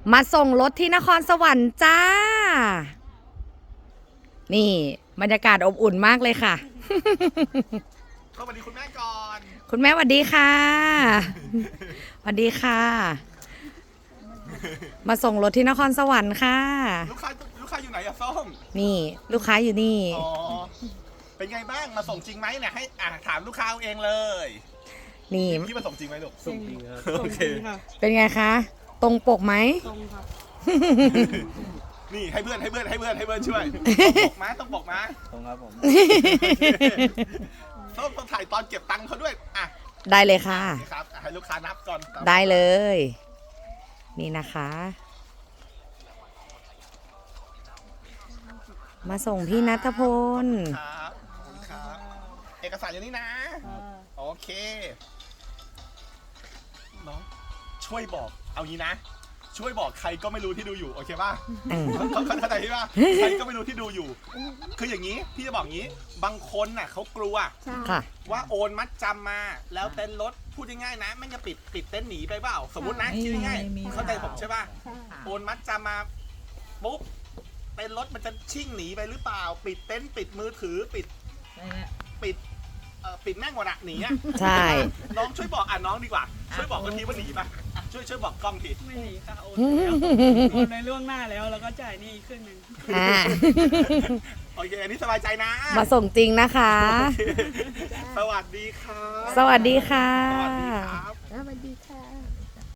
มาส่งรถที่นครสวรรค์จ้า นี่บรรยากาศอบอุ่นมากเลยค่ะสวัสดีคุณแม่ก่อนคุณแม่สวัสดีค่ะสวัสดีค่ะ มาส่งรถที่นครสวรรค์ค่ะลูกค้าอยู่ไหนอะส้มนี่ลูกค้าอยู่นี่อ๋อเป็นไงบ้างมาส่งจริงไหมเนี่ยให้ถามลูกค้าเอาเองเลยนี่พี่มาส่งจริงไหมลูกส่งจริงครับโอเคเป็นไงคะ ตรงปกไหมตรงครับนี่ให้เพื่อนช่วยต้องบอกมาตรงครับผมส้มต้องถ่ายตอนเก็บตังค์เขาด้วยได้เลยค่ะนี่ครับให้ลูกค้านับก่อนได้เลย นี่นะคะ มาส่งพี่ณัฐพลครับขอบคุณครับเอกสารอยู่นี่นะ โอเคน้องช่วยบอกเอางี้นะ ช่วยบอกใครก็ไม่รู้ที่ดูอยู่โอเคป่ะอืมเข้าใจป่ะใครก็ไม่รู้ที่ดูอยู่ คืออย่างนี้พี่จะบอกงี้บางคนน่ะเขากลัวค่ะว่าโอนมัดจำมาแล้วเต็นท์รถพูดง่ายๆนะไม่จะปิดเต็นท์หนีไปเปล่าสมมตินะคิดง่ายๆเข้าใจผมใช่ป่ะโอนมัดจำมาปุ๊บเต็นท์รถมันจะชิ่งหนีไปหรือเปล่า ปิดเต็นท์ปิดมือถือปิดแม่งหมดอะหนีอะใช่น้องช่วยบอกน้องดีกว่า ช่วยบอกกันทีว่าหนีป่ะช่วยบอกกล้องทีไม่หนีค่ะโอนแล้วโอนในล่วงหน้าแล้วแล้วก็จ่ายหนี่อีกครึ่งหนึ่งอ่าโอเคอันนี้สบายใจนะมาส่งจริงนะคะโอเคสวัสดีครับสวัสดีค่ะสวัสดีครับสวัสดี